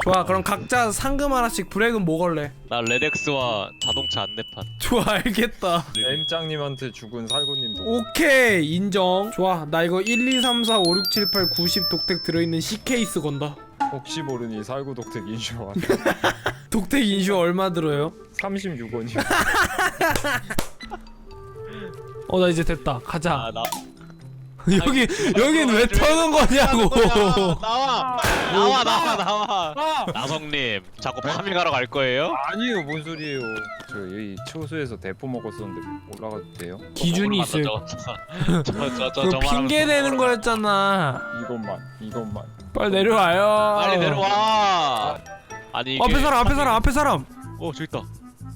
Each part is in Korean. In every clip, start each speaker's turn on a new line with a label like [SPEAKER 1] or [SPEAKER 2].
[SPEAKER 1] 좋아, 그럼 각자 상금 하나씩. 브렉은 뭐 걸래?
[SPEAKER 2] 나 레덱스와 자동차 안내판.
[SPEAKER 1] 좋아, 알겠다.
[SPEAKER 3] M장님한테 죽은 살구님도.
[SPEAKER 1] 오케이, 인정. 좋아, 나 이거 1, 2, 3, 4, 5, 6, 7, 8, 90 독택 들어있는 C케이스 건다.
[SPEAKER 3] 혹시 모르니 살구 독특 인슈어
[SPEAKER 1] 독택 인슈어 얼마 들어요?
[SPEAKER 3] 36원이요.
[SPEAKER 1] 나 이제 됐다. 가자.
[SPEAKER 2] 나
[SPEAKER 1] 여긴 왜 터는 거냐고.
[SPEAKER 2] 나와. 나성님, 자꾸 파밍하러 갈 거예요?
[SPEAKER 3] 아니요, 뭔 소리예요. 저 여기 초소에서 대포 먹었었는데 올라가도 돼요?
[SPEAKER 1] 기준이 있어요.
[SPEAKER 2] 저
[SPEAKER 1] 핑계 대는 거였잖아.
[SPEAKER 3] 이것만.
[SPEAKER 1] 빨리 내려와요.
[SPEAKER 2] 빨리 내려와. 아니 이게
[SPEAKER 1] 앞에 사람.
[SPEAKER 2] 저기 있다.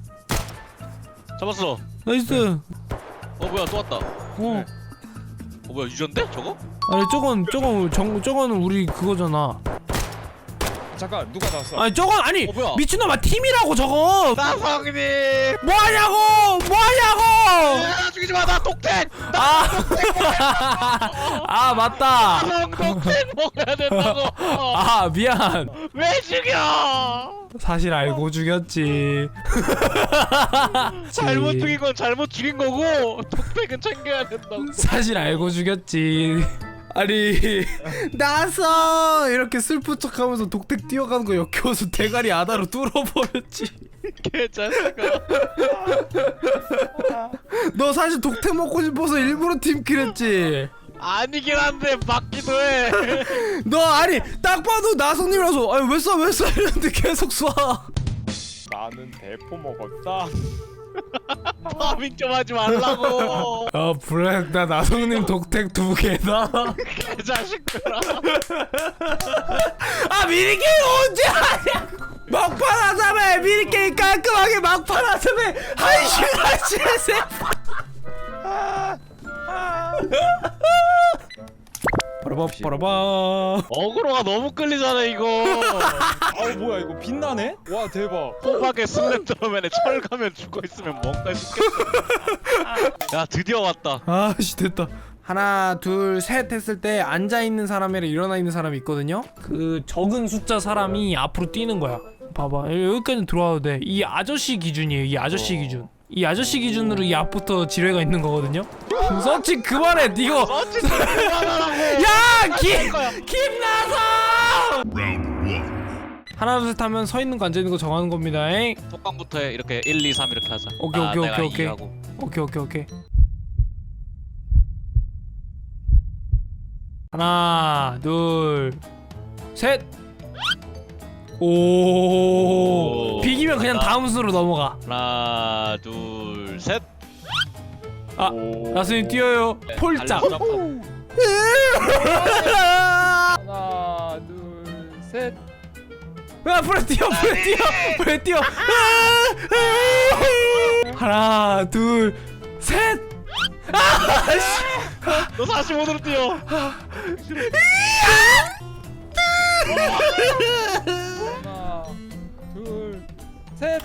[SPEAKER 2] 잡았어.
[SPEAKER 1] 나이스.
[SPEAKER 2] 뭐야 또 왔다. 뭐야 유전데 저거?
[SPEAKER 1] 아니 저건 우리 그거잖아.
[SPEAKER 3] 잠깐, 누가 나왔어?
[SPEAKER 1] 아니 저건 아니
[SPEAKER 2] 뭐야?
[SPEAKER 1] 미친놈아, 팀이라고 저거.
[SPEAKER 2] 나성님.
[SPEAKER 1] 뭐하냐고.
[SPEAKER 2] 죽이지 마. 나 독택.
[SPEAKER 1] 아 맞다.
[SPEAKER 2] 독택 먹어야 된다고.
[SPEAKER 1] 미안.
[SPEAKER 2] 왜 죽여?
[SPEAKER 1] 사실 알고 죽였지.
[SPEAKER 2] 잘못 죽인 건 잘못 죽인 거고 독택은 챙겨야 된다고.
[SPEAKER 1] 사실 알고 죽였지. 아니 나서 이렇게 슬픈 척하면서 독택 뛰어가는 거 역겨워서 대가리 아다로 뚫어버렸지.
[SPEAKER 2] 개자식아.
[SPEAKER 1] 너 사실 독택 먹고 싶어서 일부러 팀킬했지.
[SPEAKER 2] 아니긴 한데 맞기도 해.
[SPEAKER 1] 너 아니 딱 봐도 나성님이라서 아니 왜 쏴 이랬는데 계속 쏴.
[SPEAKER 3] 나는 대포 먹었다.
[SPEAKER 2] 파밍 좀 하지 말라고.
[SPEAKER 1] 브렉, 나 나성님 독택 2개다.
[SPEAKER 2] 개자식들아.
[SPEAKER 1] 미니게임 언제 하냐고. 막판 하자며. 미니게임 깔끔하게 막판 하자며. 1시간 세. 빠라바빠라바.
[SPEAKER 2] 어그로가 너무 끌리잖아 이거.
[SPEAKER 3] 뭐야 이거 빛나네? 와 대박.
[SPEAKER 2] 호박에 슬렌더맨에 철가면 죽어있으면 뭔가 싶겠어. 야 드디어 왔다.
[SPEAKER 1] 아씨 됐다. 하나 둘 셋 했을 때 앉아있는 사람이랑 일어나있는 사람이 있거든요. 그 적은 숫자 사람이 앞으로 뛰는 거야. 봐봐, 여기까지 들어와도 돼. 이 아저씨 기준이에요. 이 아저씨 기준. 이 아저씨 기준으로 이 앞부터 지뢰가 있는 거거든요. 서치 그만해. 이거
[SPEAKER 2] 어찌 그만하라고.
[SPEAKER 1] 야! 김 나서! 하나 둘 셋 하면 서 있는 거 앉아 있는 거 정하는 겁니다. 잉?
[SPEAKER 2] 톡방부터 해. 이렇게 1, 2, 3 이렇게 하자.
[SPEAKER 1] 오케이.
[SPEAKER 2] 내가 2 하고.
[SPEAKER 1] 오케이. 하나, 둘, 셋. 오. 비기면 그냥 다음 순으로 넘어가.
[SPEAKER 2] 하나 둘 셋.
[SPEAKER 1] 나스님 뛰어요. 폴짝.
[SPEAKER 3] 하나 둘 셋.
[SPEAKER 1] 프레 뛰어. 하나, 둘, 셋.
[SPEAKER 2] 너 45도로 뛰어.
[SPEAKER 3] 하나 둘 셋.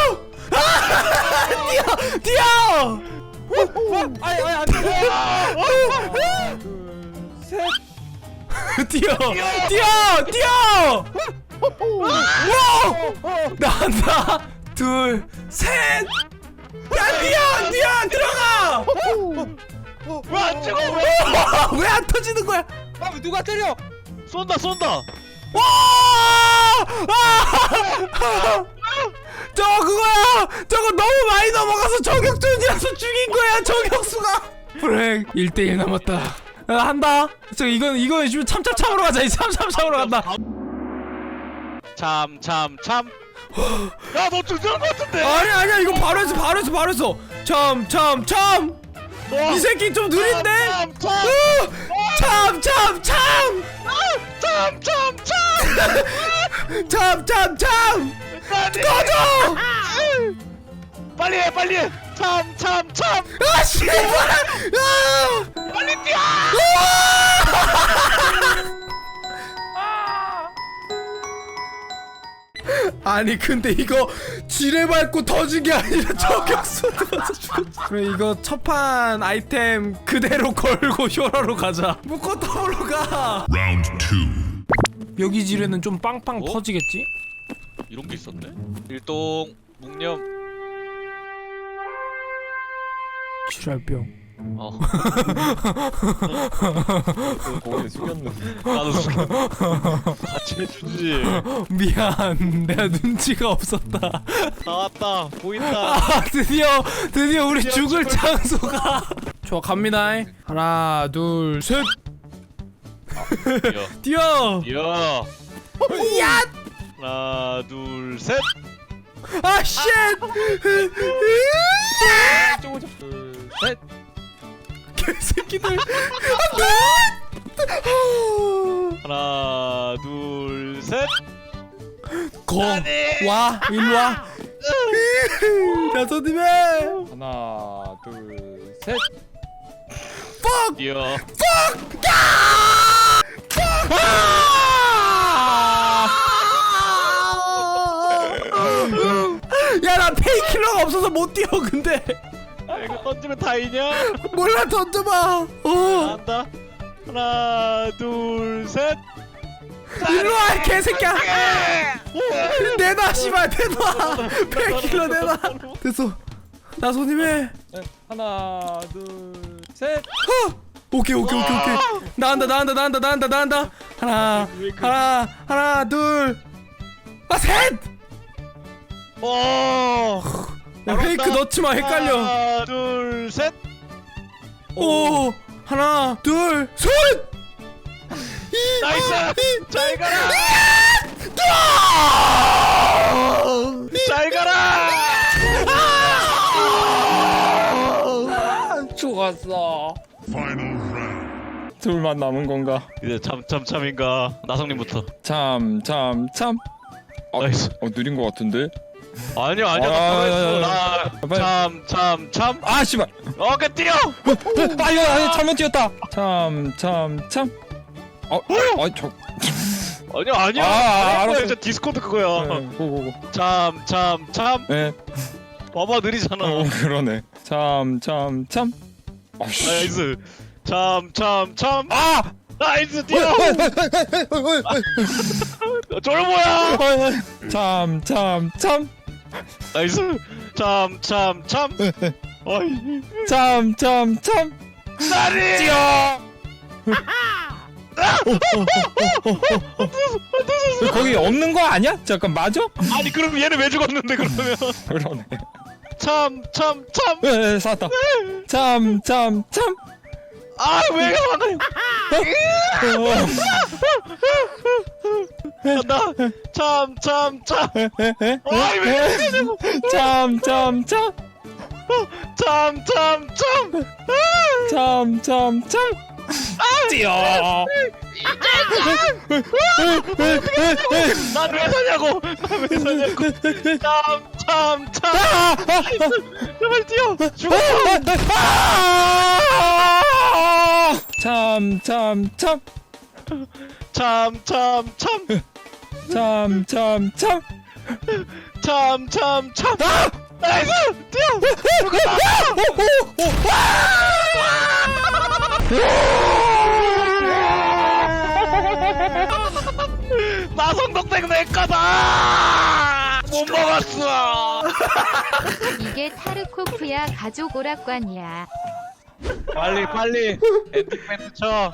[SPEAKER 1] 뛰어.
[SPEAKER 3] 아니 안 돼. 하나 둘 셋.
[SPEAKER 1] 뛰어. 나간다. 둘, 셋. 야 뛰어 들어가.
[SPEAKER 2] 왜 안 찍어?
[SPEAKER 1] 왜 안 터지는 거야?
[SPEAKER 3] 누가 때려?
[SPEAKER 2] 쏜다.
[SPEAKER 1] 와! 저거 그거야. 저거 너무 많이 넘어가서 저격전이라서 죽인 거야. 저격수가. 브렉 1대1 남았다. 한다. 이건 지금 참으로 가자. 이 참으로 간다.
[SPEAKER 2] 참. 야 너 죽는 거 같은데?
[SPEAKER 1] 아니야 이거 바로 했어. 참. 이 새끼 좀 느린데? 참. 꺼져!
[SPEAKER 2] 빨리 해. 참.
[SPEAKER 1] 아 씨발!
[SPEAKER 2] 빨리 뛰어!
[SPEAKER 1] 아니 근데 이거 지뢰 밟고 터진 게 아니라 저격수 들어서 죽었어. 그래 이거 첫판 아이템 그대로 걸고 효라로 가자. 묶어 더블로 가.
[SPEAKER 4] Round 2.
[SPEAKER 1] 묘기지뢰는 좀 빵빵
[SPEAKER 2] 어?
[SPEAKER 1] 터지겠지?
[SPEAKER 2] 이런 게 있었네. 일동 묵념.
[SPEAKER 1] 지랄병.
[SPEAKER 3] 고개 숙였는데.
[SPEAKER 2] 나도 숙여. 같이 해주지.
[SPEAKER 1] 미안, 내가 눈치가 없었다.
[SPEAKER 2] 나왔다. 보인다.
[SPEAKER 1] 아, 드디어 우리 죽을 장소가. 좋아, 갑니다. 하나, 둘, 셋.
[SPEAKER 2] 뛰어.
[SPEAKER 1] 뛰어.
[SPEAKER 2] 뛰어.
[SPEAKER 1] 야!
[SPEAKER 2] 하나, 둘, 셋.
[SPEAKER 1] 아, 쉣!
[SPEAKER 3] 둘, 셋.
[SPEAKER 1] 개새끼들.
[SPEAKER 2] 하나, 둘, 셋.
[SPEAKER 1] 와, 일로 와. 야소님의
[SPEAKER 3] 하나, 둘, 셋.
[SPEAKER 2] 뛰어.
[SPEAKER 1] 야, 나 페이킬러가 없어서 못 뛰어. 근데
[SPEAKER 2] 이거 던지면 다이냐?
[SPEAKER 1] 몰라, 던져봐.
[SPEAKER 2] 한다. 하나, 둘, 셋.
[SPEAKER 1] 일로 와, 개새끼야. 내놔, 씨발, 내놔. 페이킬러 내놔. 됐어. 나소님의
[SPEAKER 3] 하나, 둘, 셋.
[SPEAKER 1] 오케이. 나간다. 하나, 둘, 셋. 야, 페이크 넣지 마, 헷갈려.
[SPEAKER 2] 하나, 둘, 셋.
[SPEAKER 1] 오, 하나, 둘, 셋.
[SPEAKER 2] 나이스. 잘 가라. 잘 가라.
[SPEAKER 3] 죽었어. 둘만 남은 건가?
[SPEAKER 2] 이제 참인가. 나성님부터.
[SPEAKER 3] 참.
[SPEAKER 2] 나이스.
[SPEAKER 3] 느린 거 같은데?
[SPEAKER 2] 아니야.
[SPEAKER 3] 빨리.
[SPEAKER 2] 참.
[SPEAKER 3] 아, 씨발.
[SPEAKER 2] 오케이, 뛰어.
[SPEAKER 3] 아, 이거 잘못 뛰었다. 참.
[SPEAKER 2] 아니야.
[SPEAKER 3] 알았어.
[SPEAKER 2] 진짜 디스코드 그거야.
[SPEAKER 3] 고고고.
[SPEAKER 2] 참.
[SPEAKER 3] 네.
[SPEAKER 2] 봐봐, 느리잖아.
[SPEAKER 3] 그러네. 참. 아씨.
[SPEAKER 2] 나이스. 참.
[SPEAKER 3] 아!
[SPEAKER 2] 나이스, 뛰어. 저를 뭐야?
[SPEAKER 3] 참.
[SPEAKER 2] 나이스. 참. 어이.
[SPEAKER 3] 참.
[SPEAKER 2] 나리.
[SPEAKER 3] 뛰어. 거기 없는 거 아니야? 잠깐 맞아?
[SPEAKER 2] 아니, 그럼 얘는 왜 죽었는데 그러면?
[SPEAKER 3] 그러네.
[SPEAKER 2] 참.
[SPEAKER 3] 네, 살았다. 참.
[SPEAKER 2] 아, 왜 가만히? 간다. 참. 아이, 왜 이러냐고.
[SPEAKER 3] 참. 뛰어.
[SPEAKER 2] 난 왜 사냐고. 참. 제발 뛰어. 죽어.
[SPEAKER 3] 참.
[SPEAKER 2] 나이스. 뛰어. 나성동생 내 거다. 못 먹었어.
[SPEAKER 4] 이게 타르코프야 가족 오락관이야.
[SPEAKER 2] 빨리 엔딩멘트 쳐.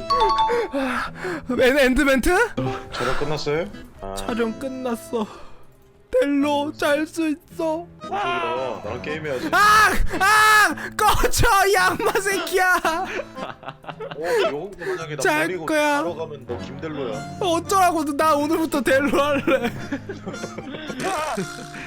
[SPEAKER 1] 엔드멘트?
[SPEAKER 5] 촬영 끝났어요?
[SPEAKER 1] 촬영 끝났어. 델로 잘 수 있어.
[SPEAKER 5] 뭔 소리야? 나랑 게임해야지.
[SPEAKER 1] 꺼져, 이 악마 새끼야.
[SPEAKER 5] 영웅 만약에 나
[SPEAKER 1] 잘
[SPEAKER 5] 버리고
[SPEAKER 1] 거야.
[SPEAKER 5] 바로 가면 너 김델로야.
[SPEAKER 1] 어쩌라고, 나 오늘부터 델로 할래.